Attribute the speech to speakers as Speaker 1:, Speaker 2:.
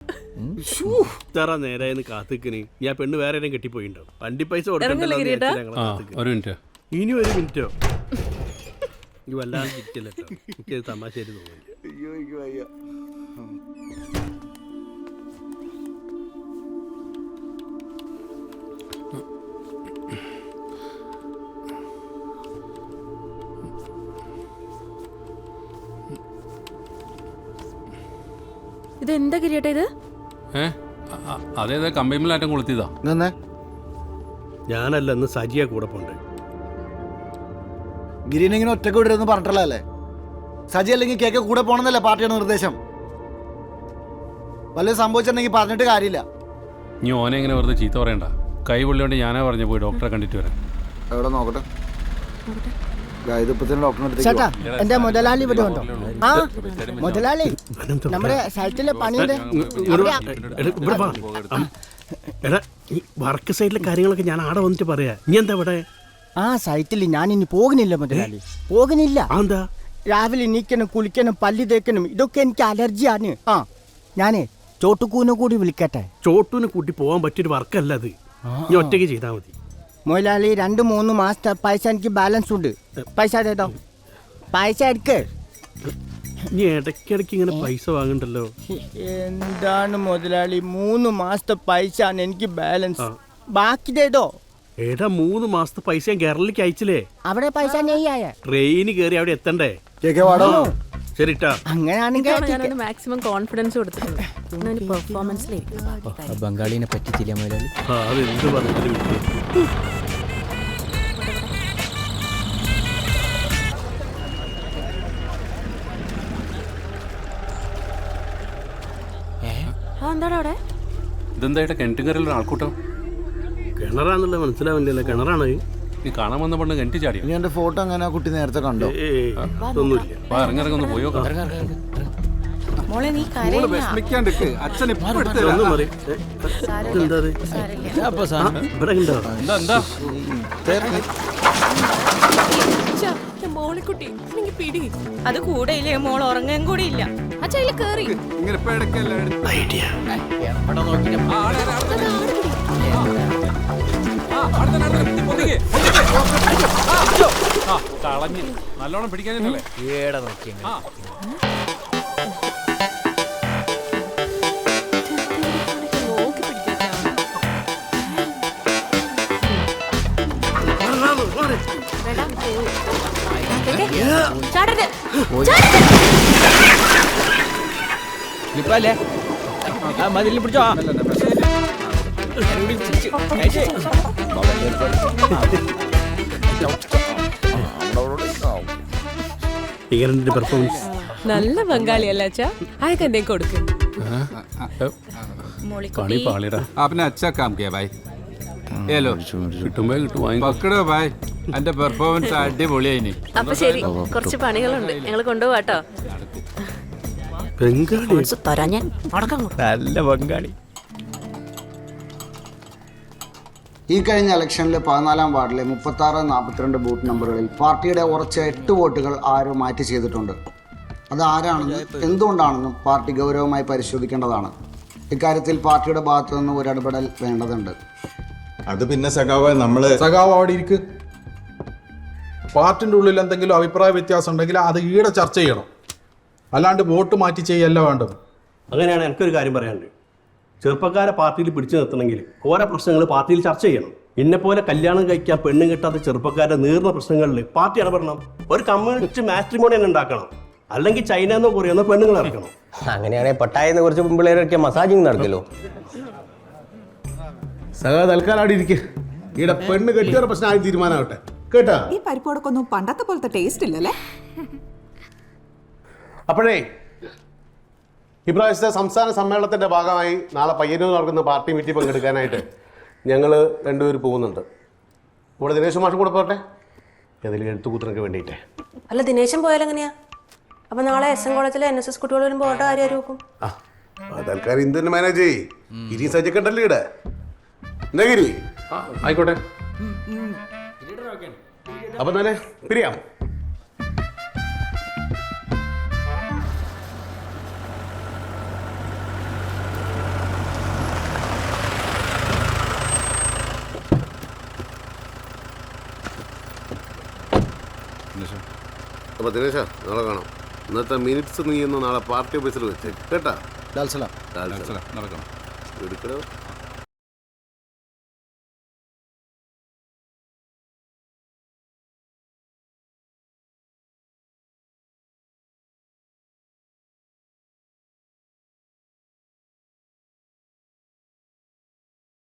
Speaker 1: ഇത്ര നേരായെന്ന് കാത്തിക്കന് ഞാൻ പെണ്ണ് വേറെ ആരെയും കെട്ടിപ്പോയിണ്ടോ? വണ്ടി പൈസ കൊടുക്കണ്ടല്ലോ. ഇനി ഒരു മിനിറ്റോ? ഈ വല്ലാണ്ട് കിട്ടില്ല. എനിക്കത് തമാശയായിട്ട് തോന്നുന്നു.
Speaker 2: ഇതെന്താ കിരീട്ടാ ഇത്?
Speaker 3: അതേതാ കമ്പൈമിലാറ്റം കൊളുത്തിയതാ.
Speaker 1: ഞാനല്ല, ഇന്ന് സജിയ കൂടെ പോണ്ടേ.
Speaker 4: ഗിരീനെ ഇങ്ങനെ ഒറ്റക്ക് വിടരുതെന്ന് പറഞ്ഞിട്ടല്ലേ? സജി അല്ലെങ്കിൽ കേക്ക് കൂടെ പോകണമെന്നല്ലേ പാർട്ടിയുടെ നിർദ്ദേശം? വല്ലതും സംഭവിച്ചിട്ടുണ്ടെങ്കിൽ പറഞ്ഞിട്ട് കാര്യമില്ല.
Speaker 3: നീ ഓനെ എങ്ങനെ വെറുതെ ചീത്ത പറയണ്ട. കൈ പൊള്ളിയോണ്ട് ഞാനാ പറഞ്ഞു പോയി ഡോക്ടറെ കണ്ടിട്ട് വരാം.
Speaker 4: എവിടെ നോക്കട്ടെ.
Speaker 5: ചേട്ടാ എന്റെ മുതലാളി ഇവിടെ ഉണ്ടോ? ആ മുതലാളി നമ്മുടെ സൈറ്റിലെ പണിയുടെ
Speaker 1: വർക്ക് സൈഡിലെ കാര്യങ്ങളൊക്കെ ഞാൻ ആടെ വന്നിട്ട് പറയാ. നീ എന്താ ഇവിടെ?
Speaker 5: ആ സൈറ്റിൽ ഞാൻ ഇനി പോകുന്നില്ല മുതലാളി, പോകുന്നില്ല.
Speaker 1: എന്താ?
Speaker 5: രാവിലെ എണീക്കണം, കുളിക്കണം, പല്ലി തേക്കണം, ഇതൊക്കെ എനിക്ക് അലർജിയാണ്. ആ ഞാനേ ചോട്ടുകൂനെ കൂടി വിളിക്കട്ടെ.
Speaker 1: ചോട്ടൂനെ കൂട്ടി പോകാൻ പറ്റിയൊരു വർക്കല്ല അത്. നീ ഒറ്റയ്ക്ക് ചെയ്താൽ മതി.
Speaker 5: മുതലാളി 2-3 മാസത്തെ പൈസ എനിക്ക് ബാലൻസ് ഉണ്ട്. പൈസ തേട്ടോ, പൈസ എടുക്ക്.
Speaker 1: നീ ഇടയ്ക്കിടയ്ക്ക് ഇങ്ങനെ പൈസ വാങ്ങണ്ടല്ലോ.
Speaker 5: എന്താണ് മുതലാളി, 3 മാസത്തെ പൈസ ആണ് എനിക്ക് ബാലൻസ്. ബാക്കി തേട്ടോ.
Speaker 1: ഏടാ 3 മാസത്തെ പൈസ ഞാൻ കേരളത്തിലേക്ക് അയച്ചില്ലേ?
Speaker 5: അവിടെ പൈസ നെയ്യായ
Speaker 1: ട്രെയിന് കയറി അവിടെ എത്തണ്ടേ? ശരിട്ടാ.
Speaker 5: അങ്ങനെയാണെങ്കിൽ
Speaker 2: മാക്സിമം കോൺഫിഡൻസ് കൊടുത്തിട്ടുണ്ട്.
Speaker 5: ബംഗാളിനെ പറ്റിച്ചില്ല മുതലാളി.
Speaker 1: അതെന്ത് പറഞ്ഞാലും
Speaker 3: ഇതെന്താ കിണറ്റുകരയിലൊരു ആൾക്കൂട്ടം?
Speaker 1: കിണറാന്നുള്ള മനസ്സിലാവില്ലല്ലോ. കിണറാണ്
Speaker 3: നീ കാണാൻ വന്ന പെണ്ണ് കിണറ്റ് ചാടിയോ?
Speaker 4: നീ എന്റെ ഫോട്ടോ അങ്ങനെ കുട്ടി നേരത്തെ കണ്ടോ?
Speaker 1: ഒന്നുമില്ല.
Speaker 3: ഇറങ്ങിറങ്ങൊന്ന് പോയോ.
Speaker 2: അത് കൂടെ ഇല്ലേ, മോൾ ഉറങ്ങാൻ കൂടി ഇല്ല. അച്ഛൻ കേറി
Speaker 3: കളഞ്ഞ് നല്ലോണം പിടിക്കാനല്ലേ.
Speaker 5: ഇപ്പല്ലേ മതിൽ പിടിച്ചോ.
Speaker 1: പെർഫോമൻസ്
Speaker 2: നല്ല ബംഗാളിയല്ല അച്ഛാ. അയക്ക് എന്തേ കൊടുക്കും.
Speaker 3: പണി പാളിടാ.
Speaker 6: आपने अच्छा काम किया भाई. ये लो
Speaker 3: കിട്ടുമ്പോ കിട്ടും.
Speaker 6: പക്കടോ ഭായ്. എന്റെ പെർഫോമൻസ് അടിപൊളിയായിനി.
Speaker 2: അപ്പൊ ശരി, കുറച്ച് പണികളുണ്ട്, ഞങ്ങൾ കൊണ്ടുപോവാട്ടോ.
Speaker 5: നല്ല ബംഗാളി.
Speaker 4: ഈ കഴിഞ്ഞ ഇലക്ഷനിൽ 14-ാം വാർഡിലെ 36-42 ബൂത്ത് നമ്പറുകളിൽ പാർട്ടിയുടെ ഉറച്ച 8 വോട്ടുകൾ ആരോ മാറ്റി ചെയ്തിട്ടുണ്ട്. അത് ആരാണെന്നും എന്തുകൊണ്ടാണെന്നും പാർട്ടി ഗൗരവമായി പരിശോധിക്കേണ്ടതാണ്. ഇക്കാര്യത്തിൽ പാർട്ടിയുടെ ഭാഗത്തു നിന്ന് ഒരു ഇടപെടൽ വേണ്ടതുണ്ട്.
Speaker 7: അത് പിന്നെ സഖാവ് അവിടെ ഇരിക്ക്. പാർട്ടിൻ്റെ ഉള്ളിൽ എന്തെങ്കിലും അഭിപ്രായ വ്യത്യാസം ഉണ്ടെങ്കിൽ അത് ഈടെ ചർച്ച ചെയ്യണം, അല്ലാണ്ട് വോട്ട് മാറ്റി ചെയ്യല്ല വേണ്ടത്.
Speaker 1: അങ്ങനെയാണ് എനിക്കൊരു കാര്യം പറയാനുണ്ട്. ചെറുപ്പക്കാരെ പാർട്ടിയിൽ പിടിച്ചു നിർത്തണമെങ്കിൽ ഓരോ പ്രശ്നങ്ങൾ പാർട്ടിയിൽ ചർച്ച ചെയ്യണം. ഇന്നെപ്പോലെ കല്യാണം കഴിക്കാൻ പെണ്ണും കിട്ടാത്ത ചെറുപ്പക്കാരുടെ നീർന്ന പ്രശ്നങ്ങളിൽ പാർട്ടി ഇടപെടണം. ഒരു കമ്മ്യൂണിസ്റ്റ് മാട്രിമോണി തന്നെ ഉണ്ടാക്കണം. അല്ലെങ്കിൽ ചൈന എന്നോ കൊറിയെന്നോ പെണ്ണുങ്ങൾ ഇറക്കണം.
Speaker 8: അങ്ങനെയാണെങ്കിൽ പട്ടായെന്ന് കുറച്ച് പിള്ളേരൊക്കെ മസാജിങ് നടക്കല്ലോ.
Speaker 7: സഖാ തൽക്കാലം അവിടെ ഇരിക്കുക. ഈടെ പെണ്ണ് കെട്ടിയൊരു പ്രശ്നമായി തീരുമാനമാവട്ടെ കേട്ടാ.
Speaker 9: ഈ പരിപ്പോടൊക്കൊന്നും പണ്ടത്തെ പോലത്തെ ടേസ്റ്റ് ഇല്ലല്ലേ.
Speaker 7: അപ്പോഴേ ഇപ്രാവശ്യത്തെ സംസ്ഥാന സമ്മേളനത്തിന്റെ ഭാഗമായി നാളെ പയ്യന്നൂർ നടക്കുന്ന പാർട്ടി മീറ്റിംഗ് പങ്കെടുക്കാനായിട്ട് ഞങ്ങൾ 2 പേര് പോകുന്നുണ്ട്. ഇവിടെ ദിനേശ് മാഷും കൂടെ പോട്ടെ, ഏതെങ്കിലും എഴുത്തുകൂത്തിനൊക്കെ വേണ്ടിയിട്ടേ.
Speaker 2: അല്ല, ദിനേശൻ പോയാലെങ്ങനെയാ? അപ്പൊ നാളെ SM കോളേജിലെ NSS കുട്ടികൾ വരുമ്പോൾ ഓട്ടോ ആരും നോക്കും?
Speaker 7: തൽക്കാലം ഇന്ത്യൻ മാനേജ് ഗിരി സജ്ജക്കണ്ടല്ലേ ഇവിടെ. എന്നാ ഗിരി
Speaker 3: ആയിക്കോട്ടെ.
Speaker 7: അപ്പൊ തന്നെ പിരിയാം. അപ്പോൾ ദിനേശ നാളെ കാണാം. ഇന്നത്തെ മിനിറ്റ്സ് നീ ഇന്ന് നാളെ പാർട്ടി ഓഫീസിൽ വെച്ചേക്ക് കേട്ടാ.
Speaker 6: നടക്കണം.
Speaker 7: എടുക്കണോ?